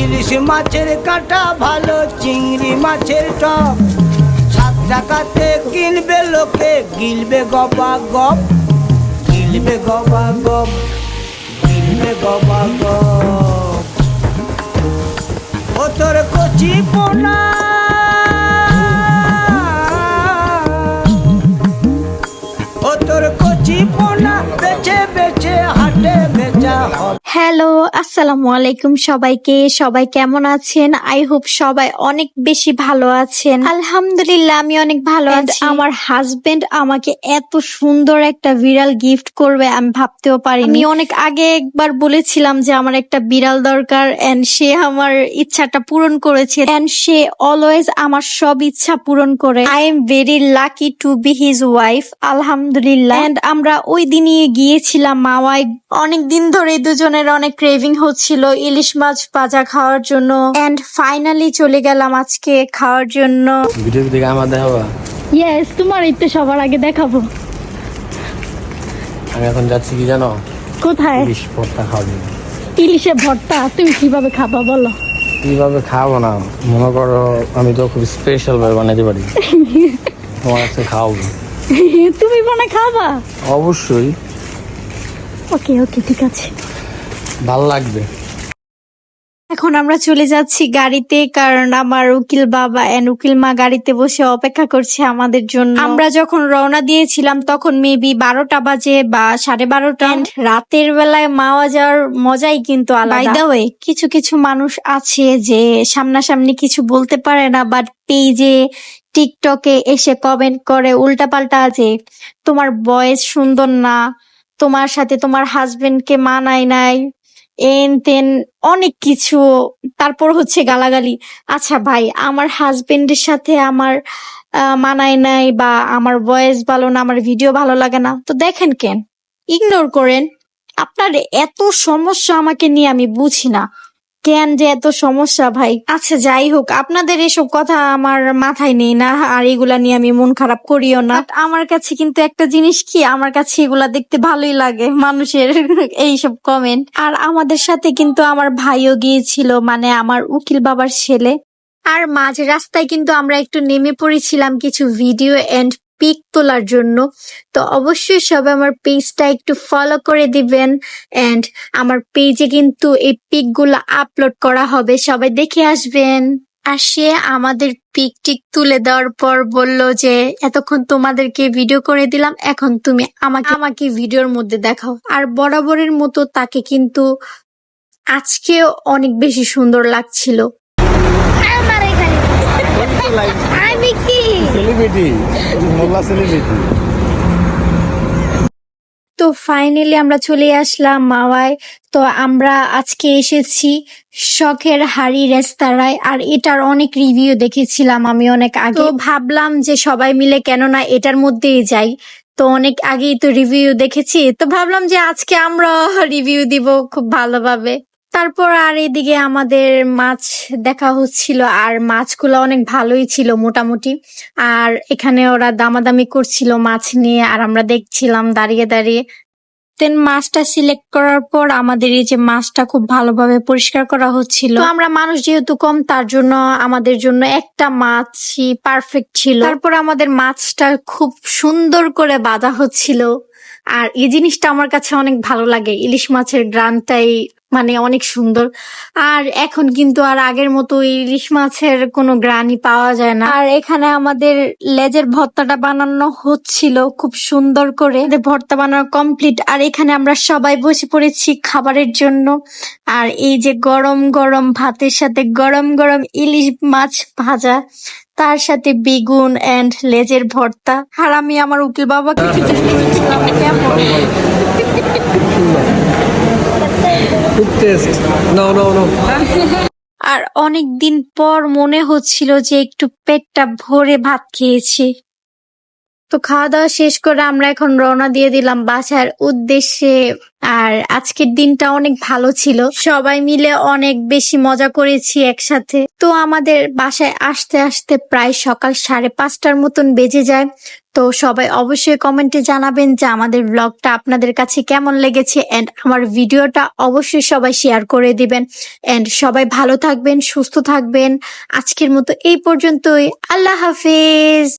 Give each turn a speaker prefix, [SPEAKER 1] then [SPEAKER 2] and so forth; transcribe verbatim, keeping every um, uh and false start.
[SPEAKER 1] ইলিশ মাছের কাঁটা ভালো, চিংড়ি মাছের টক। সাত টাকাতে কিনবে লোকে, গিলবে গবা গপ, গিলবে গবা গপ, গিলবে গবা গপ। ও তোর কচি পোনা, ও তোর কচি পোনা বেছে বেছে হাটে বেচা হবে।
[SPEAKER 2] হ্যালো, আসসালামু আলাইকুম সবাইকে। সবাই কেমন আছেন? আই হোপ সবাই অনেক বেশি ভালো আছেন। আলহামদুলিল্লাহ আমি অনেক ভালো আছি। আমার হাজবেন্ড আমাকে এত সুন্দর একটা বিড়াল গিফট করবে আমি ভাবতেও পারিনি। আমি অনেক আগে একবার বলেছিলাম যে আমার একটা বিড়াল দরকার, এন্ড সে আমার ইচ্ছাটা পূরণ করেছে, এন্ড সে অলওয়েজ আমার সব ইচ্ছা পূরণ করে। I am very lucky to be his wife, আলহামদুলিল্লাহ। এন্ড আমরা ওই দিনই গিয়েছিলাম মাওয়ায়। অনেক দিন ধরে দুজনের অনেক ক্রেভিং হচ্ছিল ইলিশ মাছ ভাজা খাওয়ার জন্য, এন্ড ফাইনালি চলে গেলাম আজকে খাওয়ার জন্য।
[SPEAKER 3] ভিডিও দেখে আমার দেখাবা?
[SPEAKER 2] ইয়েস, তোমার তো সবার আগে দেখাবো।
[SPEAKER 3] আমি এখন যাচ্ছি কি জানো?
[SPEAKER 2] কোথায়?
[SPEAKER 3] ইলিশ ভর্তা খাবো।
[SPEAKER 2] ইলিশের ভর্তা তুমি কিভাবে খাবা বলো?
[SPEAKER 3] কিভাবে খাবো না, মনে করো আমি তো খুব স্পেশাল ভাবে বানাতে পারি, তোমার কাছে খাওয়াবো।
[SPEAKER 2] তুমি বানায় খাবা?
[SPEAKER 3] অবশ্যই।
[SPEAKER 2] ওকে ওকে ঠিক আছে,
[SPEAKER 3] ভালো লাগবে।
[SPEAKER 2] এখন আমরা চলে যাচ্ছি গাড়িতে, কারণ আমার উকিল বাবা এন্ড উকিল মা গাড়িতে বসে অপেক্ষা করছে আমাদের জন্য। আমরা যখন রওনা দিয়েছিলাম তখন মেবি বারোটা বাজে বা সাড়ে বারোটা। রাতের বেলায় মাওয়া যাওয়ার মজাই কিন্তু আলাদা। বাই দ্য ওয়ে, কিছু কিছু মানুষ আছে যে সামনাসামনি কিছু বলতে পারে না, বাট পেজে টিকটকে এসে কমেন্ট করে উল্টাপাল্টা, যে তোমার ভয়েস সুন্দর না, তোমার সাথে তোমার হাজবেন্ডকে মানায় নাই, এন তেন অনেক কিছু, তারপর হচ্ছে গালাগালি। আচ্ছা ভাই, আমার হাজবেন্ডের সাথে আমার আহ, মানায় নাই বা আমার ভয়েস ভালো না, আমার ভিডিও ভালো লাগে না, তো দেখেন কেন, ইগনোর করেন। আপনার এত সমস্যা আমাকে নিয়ে আমি বুঝি না, কেন যে এত সমস্যা ভাই। আচ্ছা যাই হোক, আপনাদের এসব কথা আমার মাথায় নেই না, আর এগুলা নিয়ে আমি মন খারাপ করিও না। But আমার কাছে কিন্তু একটা জিনিস কি, আমার কাছে এগুলা দেখতে ভালোই লাগে, মানুষের এইসব কমেন্ট। আর আমাদের সাথে কিন্তু আমার ভাইও গিয়েছিল, মানে আমার উকিল বাবার ছেলে। আর মাঝ রাস্তায় কিন্তু আমরা একটু নেমে পড়েছিলাম কিছু ভিডিও এন্ড পিক তোলার জন্য। তো অবশ্যই সবাই আমার পেজটা একটু ফলো করে দিবেন, এন্ড আমার পেজে কিন্তু এই পিক গুলো আপলোড করা হবে, সবাই দেখে আসবেন। আর সে আমাদের পিক টিক তুলে দেওয়ার পর বলল যে এতক্ষণ তোমাদেরকে ভিডিও করে দিলাম, এখন তুমি আমাকে আমাকে ভিডিওর মধ্যে দেখাও। আর বরাবরের মতো তাকে কিন্তু আজকেও অনেক বেশি সুন্দর লাগছিল। আমি কি
[SPEAKER 3] সেলিব্রিটি, মোল্লা সেলিব্রিটি।
[SPEAKER 2] তো ফাইনালি আমরা চলে আসলাম মাওয়ায়। তো আমরা আজকে এসেছি শখের হাড়ি রেস্তোরাঁয়, আর এটার অনেক রিভিউ দেখেছিলাম আমি অনেক আগে। তো ভাবলাম যে সবাই মিলে কেন না এটার মধ্যেই যাই, তো অনেক আগেই তো রিভিউ দেখেছি, তো ভাবলাম যে আজকে আমরা রিভিউ দিব খুব ভালোভাবে। তারপর আর এদিকে আমাদের মাছ দেখা হচ্ছিল, আর মাছগুলো অনেক ভালোই ছিল মোটামুটি। আর এখানে ওরা দামাদামি করছিল মাছ নিয়ে, আর আমরা দেখছিলাম দাঁড়িয়ে দাঁড়িয়ে। দেন মাছটা সিলেক্ট করার পর আমাদের এই যে মাছটা খুব ভালোভাবে পরিষ্কার করা হচ্ছিল। তো আমরা মানুষ যেহেতু কম, তার জন্য আমাদের জন্য একটা মাছই পারফেক্ট ছিল। তারপর আমাদের মাছটা খুব সুন্দর করে বাঁধা হচ্ছিল, আর এই জিনিসটা আমার কাছে অনেক ভালো লাগে। ইলিশ মাছের গ্রানটাই মানে অনেক সুন্দর। আর এখন কিন্তু আর আগের মতো ইলিশ মাছের কোনো গ্রানই পাওয়া যায় না। আর এখানে আমাদের লেজের ভর্তাটা বানানো হচ্ছিল খুব সুন্দর করে, ভর্তা বানানো কমপ্লিট। আর এখানে আমরা সবাই বসে পড়েছি খাবারের জন্য। আর এই যে গরম গরম ভাতের সাথে গরম গরম ইলিশ মাছ ভাজা, তার সাথে বেগুন এন্ড লেজের ভর্তা। আর আমি আমার উকিল বাবাকে জিজ্ঞেস করেছিলাম কেমন।
[SPEAKER 3] খুব টেস্ট। No no no.
[SPEAKER 2] আর অনেক দিন পর মনে হচ্ছিল যে একটু পেটটা ভরে ভাত খেয়েছি। তো খাওয়া দাওয়া শেষ করে আমরা এখন রওনা দিয়ে দিলাম বাসার উদ্দেশ্যে। আর আজকের দিনটা অনেক ভালো ছিল, সবাই মিলে অনেক বেশি মজা করেছি একসাথে। তো আমাদের বাসায় আসতে আসতে প্রায় সকাল সাড়ে পাঁচটার মতন বেজে যায়। তো সবাই অবশ্যই কমেন্টে জানাবেন যে আমাদের ব্লগটা আপনাদের কাছে কেমন লেগেছে, এন্ড আমার ভিডিওটা অবশ্যই সবাই শেয়ার করে দিবেন। এন্ড সবাই ভালো থাকবেন, সুস্থ থাকবেন। আজকের মতো এই পর্যন্তই। আল্লাহ হাফেজ।